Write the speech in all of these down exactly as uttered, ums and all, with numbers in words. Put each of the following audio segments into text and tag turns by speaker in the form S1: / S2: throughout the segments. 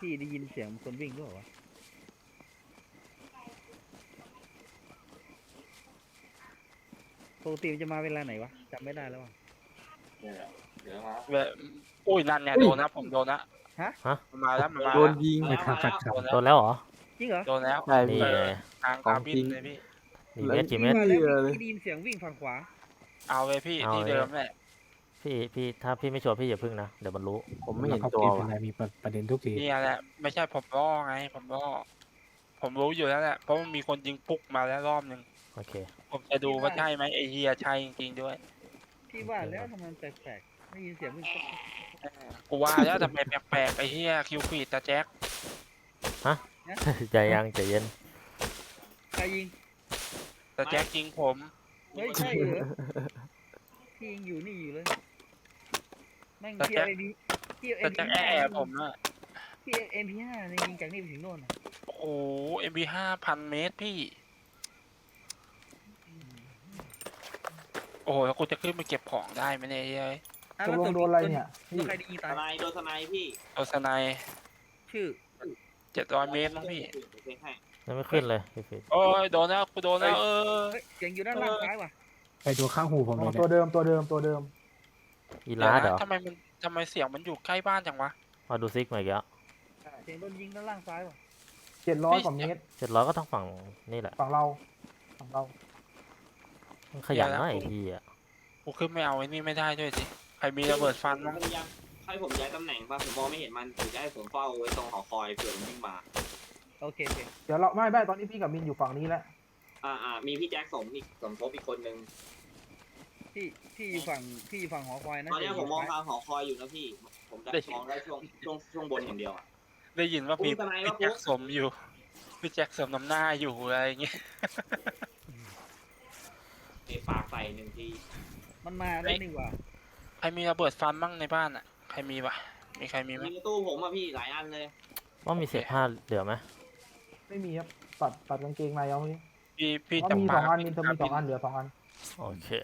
S1: พี่ได้ยินเสียงคนวิ่งด้วยวะปกติมันจะมาเวลาไหนวะจำไม่ได้แล้ววะ
S2: เดี๋ยวมา
S3: เว้ยอุ้ยนั่นเนี่ยโดนนะผมโดนนะ
S1: ฮะ
S4: ฮะ
S3: มันมาแล้วมันมา
S5: โด
S3: แล้ว
S5: นยิง
S2: มาแล้วมาแล้ว
S3: โดน
S4: โด
S3: แล้ว
S4: นแล้วเหรอ
S1: จริงเหรอ
S3: โดนแล้ว
S5: ใช่
S4: นี่
S5: พี่
S4: ไง
S3: ทาง
S5: ขอ
S3: คาง บิ
S5: จริ
S3: น
S5: ง
S3: เลยพี่
S4: กี่เมตรกี่เมตร
S5: ไม่เลย
S1: พี่ได้ยินเสียงวิ่งฝั่งขวา
S3: เอาเลยพี่
S4: เอา
S3: ที่
S4: เลย
S3: เดิมแหละ
S4: พี่พี่ถ้าพี่ไม่ชัวร์พี่อย่าพึ่งนะเดี๋ยวมันรู้
S5: ผมไม่เห็น
S6: เขา
S5: ตัว
S6: เกมเป็
S5: ว่ะ
S6: นไรมีประเด็นทุกที
S3: นี่แหละไม่ใช่ผมล่อไงผมล่อผมรู้อยู่แล้วแหละเพราะมันมีคนยิงปุ๊กมาแล้วรอบหนึ่ง
S4: โอเค
S3: ผมจะดูว่าใช่ไหมไอเฮียใช่จริงๆด้วย
S1: พี่ว่าแล้วทำไมมันแปลกๆได้ยินเสียงวิ่งปุ๊บ
S3: กูว่าแล้วทำไมแปลกๆไอเฮียคิวฟีดตาแจ็ค
S4: ใจยังใจเย็น
S1: ใครยิง
S3: ตาแจ็คยิงผม
S1: เฮ้ยใช่เหรอพี่ยังอยู่นี่อยู่เลยแม่งพี่เอาเอ็มพีพี่เอาเอ็
S3: ตาม
S1: พี
S3: แจ็ค
S1: ห้า
S3: แอบผมอะ
S1: พี่เอาเอ็มพีห้ายิงจากนี่ไปถึงโน่นน่ะ
S3: โอ้โหเอ็มบีห้าพันเมตรพี่โอ้โหแล้วกูจะขึ้นไปเก็บของได้ไหมเนี่ยเฮ้ย
S1: อ่ะ
S7: ตก
S1: แล้ว
S7: ลงโดนอะไรเนี่ย
S1: โดนใครได้ยิง
S2: ส
S1: ตาย
S2: ไนด์โดนสไนด์พี่
S3: โอสไน
S1: ชื่อ
S3: เจ็ดร้อยเมตรมั้งพี่
S2: โอเคให้
S4: ยังไม่ขึ้นเลยพี่ฟิต
S3: โอ้ยโดนแล้วกูโดนแล้วเออ
S1: เฮ้ยเสียงอยู่ด้านล่างซ้ายว่ะ
S6: ไปดูข้างหูผม
S7: อ๋
S6: เล
S7: อย ตั
S6: เนี่
S7: วย เดิมตัวเดิมตัวเดิม
S4: อี
S3: เดี๋ยว
S4: ลาดเหร
S3: นะ
S4: อ
S3: ทำไมมันทำไมเสียงมันอยู่ใกล้บ้านจังวะ
S4: มาดูซิกมาอีกแล้ว
S1: เสียงโดนยิงด้านล่างซ้ายว่ะ
S7: เจ็ดร้อยกว่าเมตร
S4: เจ็ดร้อยก็ต้องฝั่งนี่แหละ
S7: ฝั่งเราฝั่งเรา
S4: มันขยันนะไอ้ทีอ่ะ
S3: กูขึ้นไม่เอาไอ้นี่ไม่ได้ด้วยสิใครมีระเบิดฟัน
S2: มั
S3: มั้ง
S2: นยังให้ผมย้ายตำแหน่งป่ะผมมองไม่เห็นมันหรือจะให้ผมเฝ้าไว้ตรงหอคอยเผื่อมันวิ่งมา
S1: โอเคโอเค
S7: เดี๋ยวเราไม่ไม่ตอนนี้พี่กับมินอยู่ฝั่งนี้แล้ว
S2: อ่าอ่ามีพี่แจ็คสมอีกสมทบอีกคนนึง
S1: พี่พี่อยู่ฝั่งพี่อยู่ฝั่งหอคอยนะ
S2: ตอนนี้
S1: เสีย
S2: ผมมอง
S1: ซ้าย
S2: ทางหอคอยอยู่นะพี่ ผมจะมองได้ช่วงช่วงช่วงบนอย่างเดียวอ่ะ
S3: ได้ยินว่ามี
S2: อุ๊ยทำไมวะ
S3: พี่แจ็คสมอยู่พี่แจ็คสมน้ำหน้าอยู่อะไรอย่างเงี้ย
S2: เตะปากใส่หนึ่งที
S1: มันมาแล้วนี่หว่า
S3: ใครมีระเบิดฟันบ้างในบ้านอ่ะใครมีปะมีใครมีไหม
S2: มีในตู้ผมอ่ะพี่หลายอันเลย
S4: ว่ามีเศษผ้าเหลือไหม
S7: ไม่มีครับตัดตัดกางเกงในเอาเมื่อกี้
S3: พี่พี่
S7: อ๋อ
S3: จับ
S7: มี
S3: ป
S7: ส
S3: ลา
S7: องอันมินเธอมีสองอันเหลือสองอัน
S4: โอเค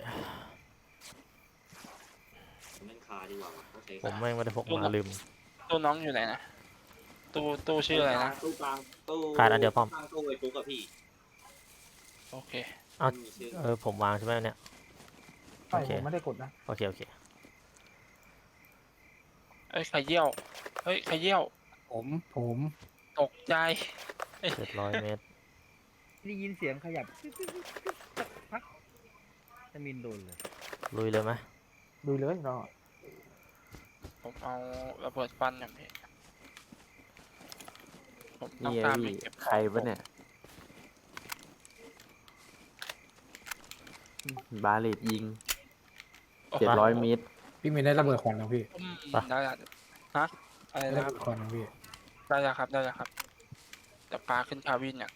S2: ผมเล่นคาดีกว่าว่ะโอเค
S4: ผมแม่งไม่ได้พกมาลืม
S3: ตู้น้องอยู่ไหนนะตู้ตู้ชื่ออะไรนะ
S2: ตู้กลางตู้
S4: ขาดอันเดียวป้อม
S2: ข้างตู้ไอ้ปุ๊กกับพี่
S3: โอเค
S4: อ้าว
S2: ไม่มีชื่อ
S4: เออผมวางใช่ไหมเนี่ย
S7: ใช่
S4: โอเค
S7: ผมไม่ได้กดนะ
S4: โอเคโอเค
S3: เอ้ยใครเยี่ยวเฮ้ยใครเยี่ยว
S6: ผมผม
S3: ตกใจ
S4: เจ็ดร้อยเมตร
S1: ได้ยินเสียงขยับสักพักจะมินโดนเลย
S4: ลุยเลยไหม
S7: ดูเลยเรา
S3: ผมเอาระเบิดฟันอย่างนี้ผมต้อง
S5: นี่
S3: การ
S5: พี่
S3: ไปเก็บของ
S5: ใครวะเนี่ยบาเลตยิง
S3: โอ้โห
S5: เจ็ดร้อยเมตร
S6: พี่ไม่ได้ระเบิดควันนะพี่
S3: อืมได้ละฮะอะไร
S6: ได้
S3: นะ
S6: ระ
S3: ครับ
S6: เบิดควันนะพี่
S3: ได้แล้วครับได้แล้วครับจะปลาขึ้นคาวินเนี่ย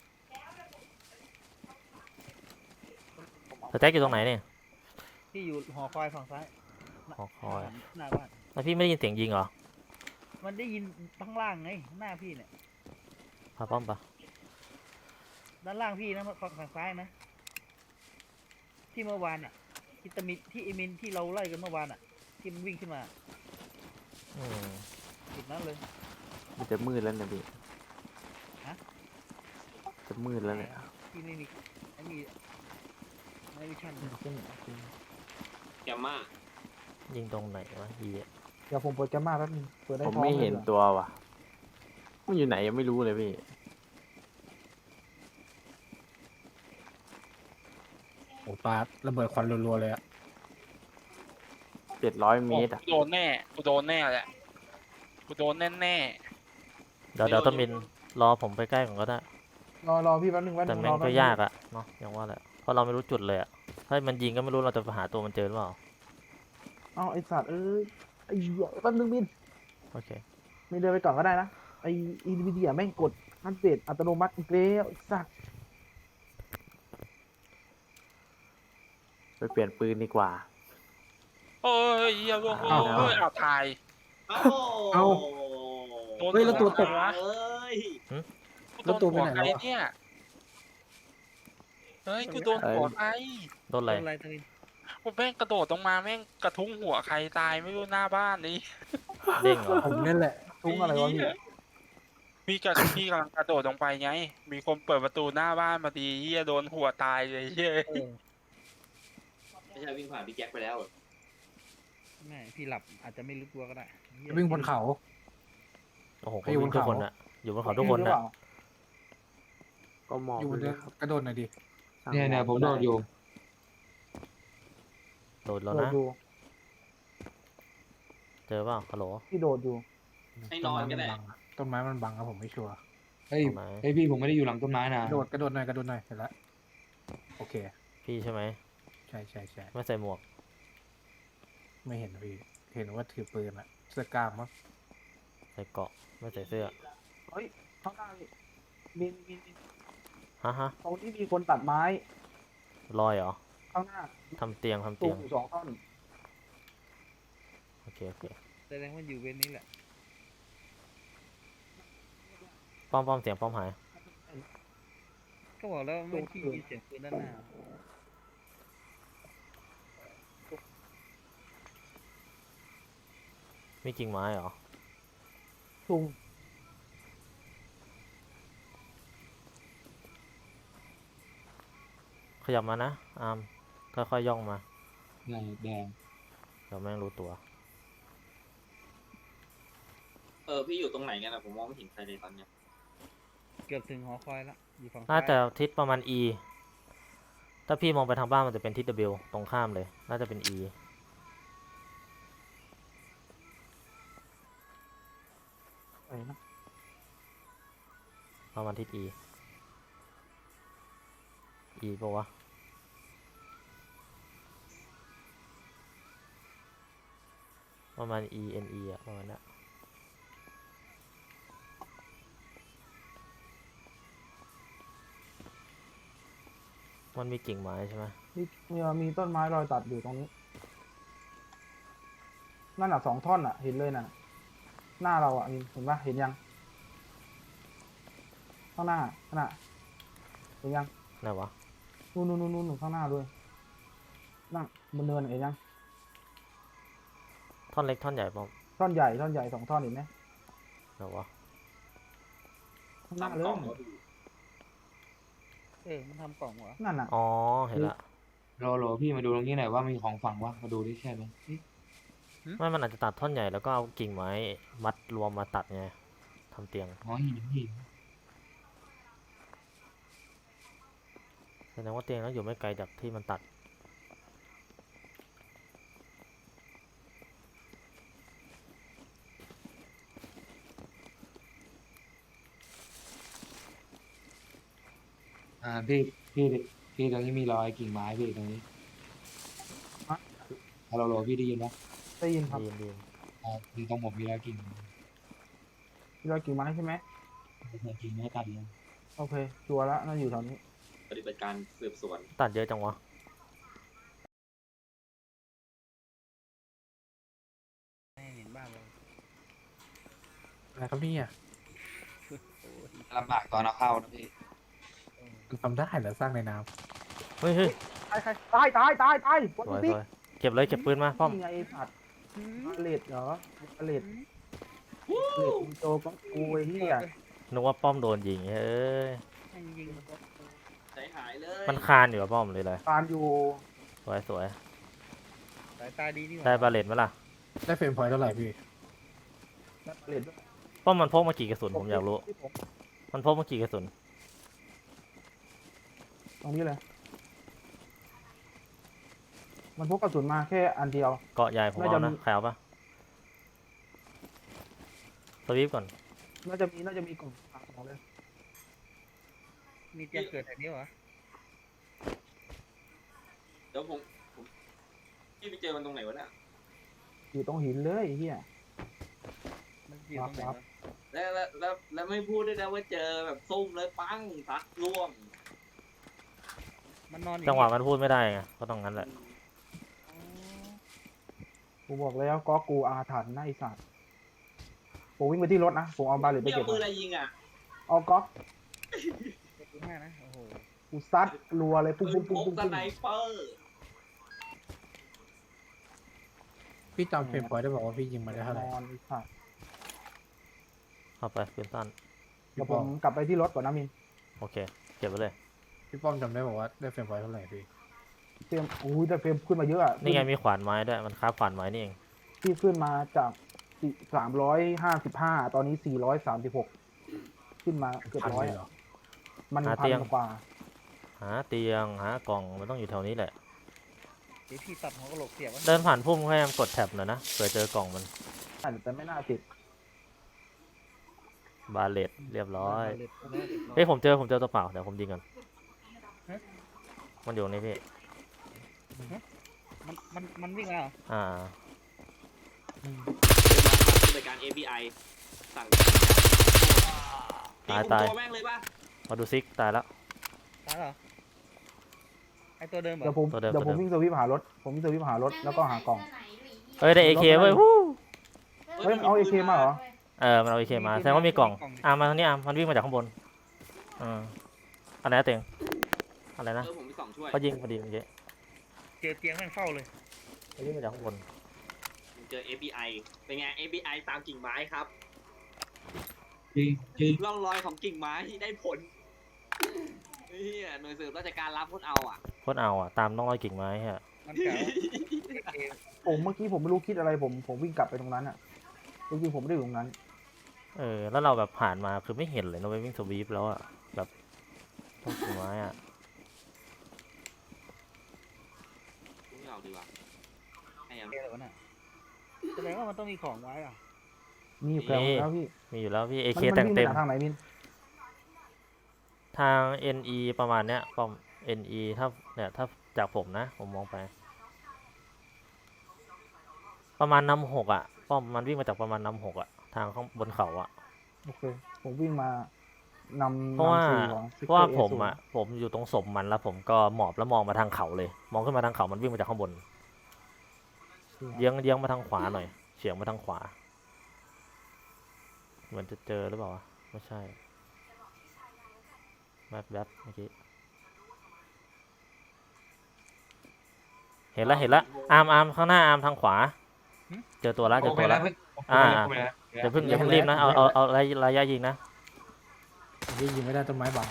S4: สแต็กอยู่ตรงไหนเนี่ย
S1: พี่อยู่หอคอยฝั่งซ้าย
S4: หอคอย
S1: หน้าบ้าน
S4: แล้วพี่ไม่ได้ยินเสียงยิงเหรอ
S1: มันได้ยินข้างล่างไงหน้าพี่เนี่ย
S4: พาป้อมปะ
S1: ด้านล่างพี่นะฝั่งฝั่งซ้ายนะ ที่เมื่อวานอ่ะที่ตะมิดที่เอมินที่เราไล่กันเมื่อวานอ่ะ ที่มันวิ่งขึ้นมา
S4: อืม
S1: จุดนั้นเลย
S5: มันจะมืดแล้วเนี่ยพี่
S1: ฮะ
S5: จะมืดแล้วเนี่ย
S1: ที่ไม่มีไม่มีไม่มีชั้น
S2: แกมมา
S4: ยิงตรงไหนวะยีย
S7: เดี๋ยวผมเปิดแกมมาแป๊บนึงเปิดได้
S5: ผม
S7: ท้อง
S5: ไม่เห็น
S7: ลยรอ
S5: ตัวว่ะมันอยู่ไหนยังไม่รู้เลยพี่
S6: โอ้ปลาระเบิดควันรัวๆเลยอะ
S5: เจ็ดร้อยเมตรอ่ะ
S3: กูโดนแน่กูโดนแน่แหละกูโดนแน่แน่
S4: เดี๋ยวเดี๋ยวต้องมินรอผมไปใกล้ก่อนก็ได้
S7: รอรอพี่แป๊บนึงแป๊บ
S4: แต่
S7: นึง
S4: แม่
S7: รง อแป๊
S4: ก็
S7: บนึง
S4: ยากอะเนาะอย่างว่าแหละเพราะเราไม่รู้จุดเลยอะถ้ามันยิงก็ไม่รู้เราจะหาตัวมันเจอหรือเปล่า
S7: เอาไอสัตว์เอ้ยไอ้เหี้ยแป๊บนึงมิน
S4: โอเค
S7: มินเดินไปก่อนก็ได้นะไออินวิเดียแม่งกดอัปเดตอัตโนมัติอีกแล้วไอ้สัตว์
S5: ไปเปลี่ยนปืนดีกว่า
S3: โอ้ยเหี้ยลงโอ้ยเอาถ่าย
S2: เอ้า
S6: เอ้า
S3: โดน
S6: เฮ้ยแล้วตัวตก
S3: วะ
S2: เอ้ย
S6: แล้วตัวไปไหน
S3: ใคร
S6: แล้วอะ
S3: เนี่ยเฮ้ยกูโดนหัวใคร
S4: โดนอะไร
S1: โดนอะไรตะมิน
S3: กูแม่งกระโดดลงมาแม่งกระทุ้งหัวใครตายไม่รู้หน้าบ้านนี่
S4: เด้งเหรอ
S6: ผมนั่นแหละ
S7: ทุ้งอะไรวะพี่
S3: พี่กับพี่กำลังกระโดดลงไปไง มีคนเปิดประตูหน้าบ้านมาดีเฮียโดนหัวตายเลยเฮีย
S1: เออ
S2: ไม่ใช่วิ่งผ่านพี่แจ็คไปแล้วเหรอ
S1: ไม่พี่หลับอาจจะไม่รู้ตัวก็ได้เหี้ย
S6: วิ่งบนเขา
S4: โอ้โห
S6: ไปอยู่
S4: วิ่ง
S6: บน
S4: ทุก
S6: เขา
S4: คนอะอยู่บนเขาทุกคน
S7: หรือ
S4: อะ
S7: เปล่า
S5: ก็มอง
S6: อยู่บน
S5: เล
S6: เรื
S5: ย
S6: อ
S5: ครับ
S6: กระโดดหน่อยดิ
S5: สร้าง
S8: เนี่ยเนี่ย
S5: ห
S8: ผมโดดอยู่
S4: โดด
S7: โด
S4: แล้ว
S7: ด
S4: นะ
S7: อยู่
S4: เจอเปล่าฮัลโหล
S7: พี่โดดอยู่
S2: ให้นอนก็ได้
S6: ต้นไม้มันบังครับผมไม่ชัวร์
S8: เฮ้ย
S4: ตรงไหน
S8: เฮ้ยพี่ผมไม่ได้อยู่หลังต้นไม้นะ
S6: กระโดดกระโดดหน่อยกระโดดหน่อยเห็นแล้วโอเค
S4: พี่ใช่ไหม
S6: ใช่ใช่ใช่
S4: ไม่ใส่หมวก
S6: ไม่เห็นพี่เห็นว่าถือปืนอะเสื้อกล้ามมั้ง
S4: ใส่เกราะไม่ใส่เสื้อ
S7: เฮ้ยข้างหน้านี่มีมีมี
S4: ฮะฮะ
S7: ตรงที่มีคนตัดไม้
S4: ลอยเหรอ
S7: ข้างหน้า
S4: ทำเตียงทำ
S7: สู
S4: เตี
S7: ง
S4: ยง
S7: อยู่สองท่อน
S4: โอเคโอเค
S1: แสดงว่าอยู่เว้นนี้แหละ
S4: ป้อมป้อมเสียงป้อมหาย
S1: ก็บอกแล้วไม่ที่ยินเสียงปืนด้านหน้า
S4: มีกิ่งไม้เหรอ
S7: สูง
S4: ขยับมานะอามค่อยๆย่องมา
S8: แดงแดง
S4: เดี๋ยวแม่งรู้ตัว
S2: เออพี่อยู่ตรงไหนกันอะผมมองไม่เห็นใครเลยตอนเนี้ย
S1: เกือบถึงหอคอยละอยู่ฝั่ง
S4: น่า
S1: ซ้าย
S4: จะทิศประมาณ E ถ้าพี่มองไปทางบ้านมันจะเป็นทิศ W ตรงข้ามเลย น่าจะเป็น E
S7: ไปนะ
S4: ประมาณทิศ E E ปะวะ ประมาณ E N E อะประมาณนั้นมันมีกิ่งไม้ใช่ไหม
S7: มีมีมีต้นไม้รอยตัดอยู่ตรงนี้ นั่นอ่ะสองท่อนอ่ะ เห็นเลยน่ะ หน้าเราอ่ะมีเห็นปะเห็นยัง ข้างหน้าข้างหน้าเห็นยัง
S4: ไหนวะ
S7: นู่นนู่นนู่นนู่นข้างหน้าด้วยนั่งบนเนินเห็นยัง
S4: ท่อนเล็กท่อนใหญ่ป้อม
S7: ท่อนใหญ่ท่อนใหญ่สองท่อนเห็นไหม
S4: ไหนวะ
S7: ข้างหน้า
S2: ทำ
S7: เล
S2: กล่อย งแล้วพี่
S1: เออมันทำกล่องเหรอ
S7: นั่นน่ะ
S4: อ๋อ เห็นละ
S8: โลโลพี่มาดูตรงนี้หน่อยว่ามีของฝังวะมาดูดิใช่ไหม
S4: ไม่มันอาจจะตัดท่อนใหญ่แล้วก็เอากิ่งไม้มัดรวมมาตัดไงทำเตียง
S8: อ๋อหินหิน
S4: แสดงว่าเตียงต้องอยู่ไม่ไกลจากที่มันตัด
S8: อ่าพี่พี่พี่ตรงนี้มีรอยกิ่งไม้พี่ตรงนี้ฮัลโหลโหลพี่ได้ยินปะ
S7: ได้ยินครับ
S4: ดีนดีน
S8: อ่าคือตรงผมมีรอยกิ่ง
S7: มีรอยกิ่งไม้ใช่ไหม
S8: กิ่งไม้ตัดเลย
S7: โอเคชัวร์แล้วน่าอยู่แถวนี้
S2: ปฏิบัติการสืบสวน
S4: ตัดเยอะจังวะ
S1: ไม่เห็นบ้านเรา
S6: อะไรครับเนี่ย
S8: ลำบากตอนเอาเข้านะพี่
S6: ทำได้เหรอสร้างในน้
S4: เฮ้ยเฮ้ย
S7: ตายตายตายตายตายบน
S4: สวย
S7: ติ๊
S4: ส
S7: ก
S4: วยเก็บเลยเก็บปืนมาป้อม
S7: นี่ไงไอ้สัตว์
S1: หืม
S7: เลดเหรอเลดเลดอินโตก็กูไอ้เหี้ย
S4: นึกว่าป้อมโดนยิงเฮ้ย
S1: ให้ยิง
S2: ใจหายเลย
S4: มันคานอยู่กับป้อมเลยเลย
S7: การอยู่
S4: สวยสวย
S1: สายตาดีนี่หว่า
S4: ได้บาเลตไหมล่ะ
S6: ำได้เฟรมพอยต์เท่าไหร่พี่
S7: เลดด้วย
S4: ป้อมมันพกมากี่กระสุนผมอยากรู้
S7: ที่ผม
S4: มันพกมากี่กระสุน
S7: ตรงนี้เลย มันพกกระสุนมาแค่อันเดียว
S4: เกาะใหญ่ผม
S7: น่า
S4: เอา
S7: จะ
S4: นะ
S7: มี
S4: ใครเอาปะสวิฟก่อน
S7: น่าจะมีน่าจะมีกล่องของเลย
S1: มีเตียงเกิดแถวนี้เหรอ
S2: เดี๋ยวผมผมพี่ไปเจอมันตรงไหนวะเนี่ย
S7: อยู่ตรงหินเลยไอ้เหี้ย
S1: มันอยู่ตรงไหน
S7: ครับ
S1: วะ
S2: แล้วแล้วแล้วแล้วไม่พูดด้วยนะว่าเจอแบบซุ่มเลยปังซัดร่วง
S1: มันนอนอยู่
S4: จังหวะมันพูดไม่ได้ไงก็ต้องงั้นแหละ
S1: อ๋อ
S7: กูบอกแล้วก็กูอาถรรพ์นะไอ้สัตว์ผมวิ่งไปที่รถนะผมเอาบาเลตไป
S2: พี่
S7: เก็
S2: เอา
S7: บ
S2: ปืนอะไรยิงอ่ะ
S7: เอาก๊อก
S1: ขอบคุณมากนะ โอ้โห
S7: กูซัดรัวเลยปุ้ง
S2: ปื
S7: ปุ้
S2: น
S7: ง
S2: พ
S7: ปุ้ง
S2: ก
S7: ปุ้ง
S2: ส
S7: ปุ้ง
S2: ไนเปอร์
S6: พี่จำเฟรมพอยต์ได้บอกว่าพี่ยิงมาได้เท่าไหร่
S7: นอนไอ้สัตว์
S4: เอาไปปืนสั้น
S7: เดี๋ยวผมกลับไปที่รถก่อนนะมิน
S4: โอเคเก็บไว้เลย
S6: พี่ป้อมจำได้บอกว่าได้เฟรมไฟเท่าไหร่พี่
S7: เฟรมอุ้ยแต่เฟรมขึ้นมาเยอะอะ
S4: นี่ไงมีขวานไม้ด้วยมันคราฟขวานไม้นี่เอง
S7: ที่ขึ้นมาจากสามร้อยห้าสิบห้าตอนนี้สี่ร้อยสามสิบหกขึ้นมาเกือบ
S6: พัน
S7: ร้อย
S6: เลยเหรอ
S7: มัน
S4: หา
S7: พั
S4: เตียง
S7: นกว่า
S4: หาเตียงหากล่องมันต้องอยู่แถวนี้แหละ
S1: เดี๋ยวพี่ตัดหัวกะโหลกเสียบไว้
S4: เดินผ่านพุ่มพยายามกดแท็บหน่อยนะเผื่อเจอกล่องมัน
S7: แต่ไม่น่าติด
S4: บาเลตเรียบร้อย
S1: เรียบร้อย
S4: เฮ้ยผมเจอผมเจอตัวเปล่าเดี๋ยวผมยิงก่อนมันอยู่ตรงนี้พี่
S1: มันมันมันวิ่งมาเหรอ
S4: อ่า
S2: เป็นบริการ เอ พี ไอ สั่ง
S4: ตายตาย
S2: ตัวแม่งเลยป่ะ
S4: มาดูซิกตายแล้ว
S1: ตายเหรอไอตัวเดิมเหร
S7: เดี๋ย
S1: อ
S7: วผม
S4: ตัวเดิม
S7: เดี๋ยว
S4: ตัว
S7: ผ
S4: เดิ
S7: ม
S4: ม
S7: วิ่งสวิปหารถ ผมวิ่งสวิปหารถแล้วก็หากล่อง
S4: เอ้ยได้เอเคเว้ยวู้
S7: เฮ้ยมันเอา เอ เค มาเหรอ
S4: เออมันเอาเอเคมาแสดงว่ามีกล่องอ่ามาทางนี้อ่ะมันวิ่งมาจากข้างบนอ่าอะไรนะเต็งอะไรนะ
S2: เออผมมีสองช่วย
S4: เขายิงพอดีเมื่อกี้
S1: เจอเตียงแม่งเฝ้าเลย
S4: เขาวิ่งมาจากข้างบน
S2: เจอ เอ พี ไอ เป็นไง เอ พี ไอ ตามกิ่งไม้ครับ
S8: จริงจริง
S2: ร่องรอยของกิ่งไม้ที่ได้ผลเฮียหน่วยสืบราชการรับพ้นเอาอ่ะ
S4: โคตรเอาอ่ะตามน้องรอยกิ่งไม้ฮะ
S1: มันเก่าเอ
S7: ผมเมื่อกี้ผมไม่รู้คิดอะไรผมผมวิ่งกลับไปตรงนั้นอ่ะจริงๆผมไม่ได้อยู่ตรงนั้น
S4: เออแล้วเราแบบผ่านมาคือไม่เห็นเลยเราไปวิ่งสวีปแล้วอ่ะแบบต้นกิ่งไม้อ่ะ
S2: ไม่เอาดีกว่าให้ยัง
S1: เอแล้วน่ะแสดงว่ามันต้องมีของไว้อ่ะ
S7: มีอยู่แถวแล้วพี่
S4: มีอยู่แล้วพี่เอ
S7: มัน
S4: เค
S7: มัน
S4: แต่ง
S7: วิ่ง
S4: เต็ม
S7: ไปทางไหนมิน
S4: ทาง เอ็น อี ประมาณเนี้ยป้อม เอ็น อี ถ้าเนี่ยถ้าจากผมนะผมมองไป ประมาณน้ำหกอ่ะป้อมมันวิ่งมาจากประมาณน้ำหกอ่ะทางข้างบนเขาอ่ะ
S7: โอเค ผมวิ่งมานำ
S4: เพราะว่า
S7: นำสู่ของ
S4: เพราะว่า
S7: Sector
S4: ผม
S7: A
S4: อ่ะผมอยู่ตรงศพมันแล้วผมก็หมอบแล้วมองมาทางเขาเลย มองขึ้นมาทางเขามันวิ่งมาจากข้างบน
S7: ศูนย์
S4: เยื้องเยื้องมาทางขวาหน่อยเฉียงมาทางขวาเหมือนจะเจอหรือเปล่าวะไม่ใช่แวบแวบเมื่อกี้เห็นแล้วเห็นแล้วอาร์มอาร์มข้างหน้าอาร์มทางขวา เจอตัวแล้วเจ
S8: โอ
S4: อ
S8: เค
S4: ตัว
S8: แล้
S4: แล้ว ว
S8: เฮ้ย
S4: อ่า
S8: โอเคแล้ว
S4: อย่าเพิ่งอย่าเพิ่งรีบนะเอาเอาเอาระยะระยะยิงนะ
S6: พี่ยิงไม่ได้ต้นไม้บัง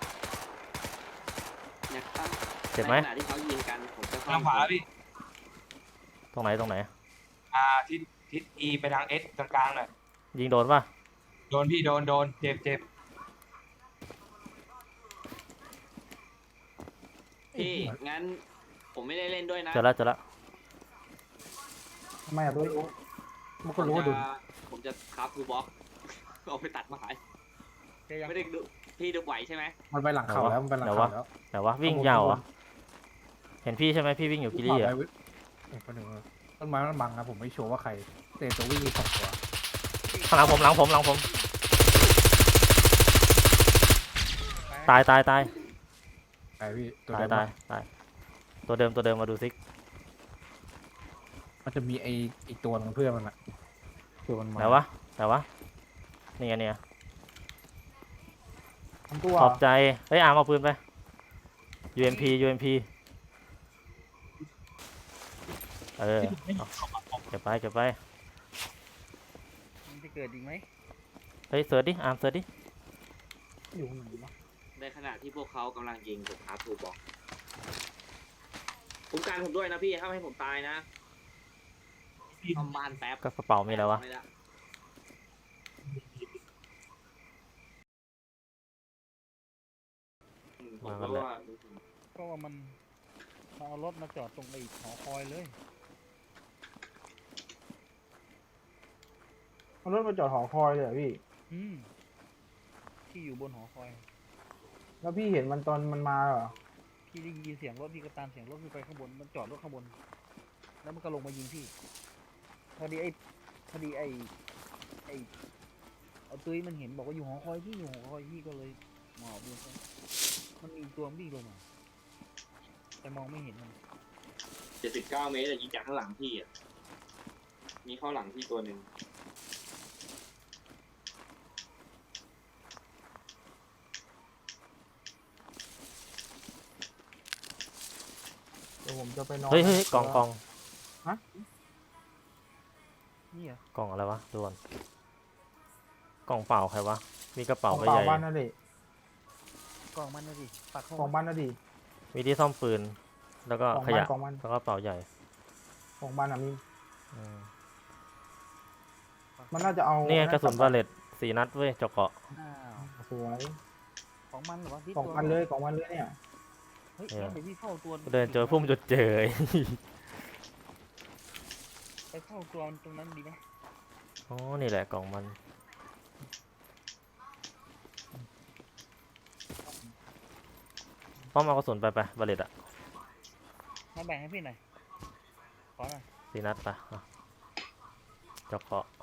S2: นะครับ
S4: เจ็บไหม
S2: ในขณะที่เขายิงกันผมจะ
S8: ทางขวาแล้วพี่
S4: ตรงไหนตรงไหน
S8: อ่าทิศทิศ E ไปทาง S กลางๆหน่อย
S4: ยิงโดนป่ะ
S8: โดนพี่โดนโดนเจ็บเจ็บ
S2: พี่งั้นผมไม่ได้เล่นด้วยนะ
S4: เจอแล้วเจอแล้ว
S7: ทำไมอ่ะตัว
S6: มันก็รู้ว่าโดน
S2: ผมจะคราฟทูบ็อก เอาไปตัดไม้
S1: เจอยัง
S2: ไม่ได้ดูพี่ดูไหวใช่ไหม
S6: มันไปหลังเขาแล้วมันไปหลัง
S4: เดี๋ยว
S6: เขา
S4: วะ
S6: แล้ว
S4: แต่ว่าวิ่งยาวเหรอเห็นพี่ใช่ไหมพี่วิ่งอยู่กิลี่
S6: ขวา
S4: อ่ะ
S6: ไปเว้ยเอ้ยคนหนึ่งต้นไม้มันบังนะผมไม่ชัวร์ว่าใครแต่ตัววิ่งมีสองตัว
S4: ข้างหลังผมหลังผมหลังผม ตายตายตาย
S6: ไอพี่ตัว
S4: ตาย
S6: เดิม
S4: ตายตายตัวเดิมตัวเดิมมาดูซิ
S6: มันจะมีไออีกตัวของเพื่อนมันอะเพื่อนมันมา
S4: ไหนวะไหนวะนี่ไงเนี่ย
S7: ทำตัว
S4: ขอบใจเฮ้ยอาร์มเอาปืนไป ยู เอ็ม พี ยู เอ็ม พี เออเอาเก็บไปเก็บไป
S1: มันจะเกิดอีกไหม
S4: เฮ้ยเสิร์ชดิอาร์มเสิร์ชดิ
S7: อยู่ไหนวะ
S2: ในขณะที่พวกเขากำลังยิงผมคราฟทูบ็อกคุ้มกันผมด้วยนะพี่ถ้าไม่ให้ผมตายนะทำบ้านแป๊บ
S4: ก็กระเป๋ามีอะไรวะ
S2: ไม่ได้อืมผมก็ว่า
S1: ก็ว่ามันมาเอารถมาจอดตรงไอ้หอคอยเลย
S7: เอารถมาจอดหอคอยเลยเหรอพี่
S1: อืมที่อยู่บนหอคอย
S7: แล้วพี่เห็นมันตอนมันมาเหรอ
S1: พี่ได้ยินเสียงรถพี่ก็ตามเสียงรถขึ้นไปข้างบนมันจอดรถข้างบน แล้วมันก็ลงมายิงพี่พอดีไอ้พอดีไอ้ไอ้เอาตุ้ยมันเห็นบอกว่าอยู่หอคอยพี่อยู่หอคอยพี่ก็เลยหมอบลงไปมันมีตัววิ่งลงมาแต่มองไม่เห็นมัน
S2: เจ็ดสิบเก้าเมตรแต่ยิงจากข้างหลังพี่อ่ะมีเข้าหลังพี่ตัวหนึ่ง
S7: เดี๋ยวผมจะไปนอน
S4: เฮ้ยเฮ้ยกล่องกล่อง
S1: นี่เหรอก
S4: ล่องอะไรวะดูก่อนกล่องเปล่าใครวะมีกระเป๋า
S7: ของ
S4: ใบ
S7: เปล่า
S4: ใหญ่
S7: บ้านนั่นดิ
S1: กองมันนะดิปักเข้า
S7: ของบ้านนั่นดิ
S4: มีที่ซ่อมปืน แล้วก็
S7: ของ
S4: ข
S7: บ้าน
S4: ยะ
S7: ของบ้าน
S4: แล้วก็กระเป๋าใหญ่
S7: ของบ้านอะมี
S4: อืม
S7: มันน่าจะเอา
S4: นี่ไง
S7: นี่
S4: กระสุน
S7: ลั
S4: บาเลตสี่นัดเว้ยเจาะเกาะ
S1: อ้าว
S7: สวย
S1: ของมันเหรอวะที่
S7: ของ
S1: ตัว
S7: มันเลยของมันเลยเนี่ย
S1: เฮ้ย
S4: เออ
S1: งั้นเดี๋ยวพี่เข้าตัว
S4: เดินเจอพุ่มจุดเจอ
S1: ไปเข้าตัวตรงนั้นดีไหม
S4: อ๋อ นี่แหละกล่องมัน ป้อมเอากระสุนไปไปบาเลตอะ
S1: มาแบ่งให้พี่หน่อยขอหน่อย
S4: สี่นัดไปอ่ะเจาะเกาะ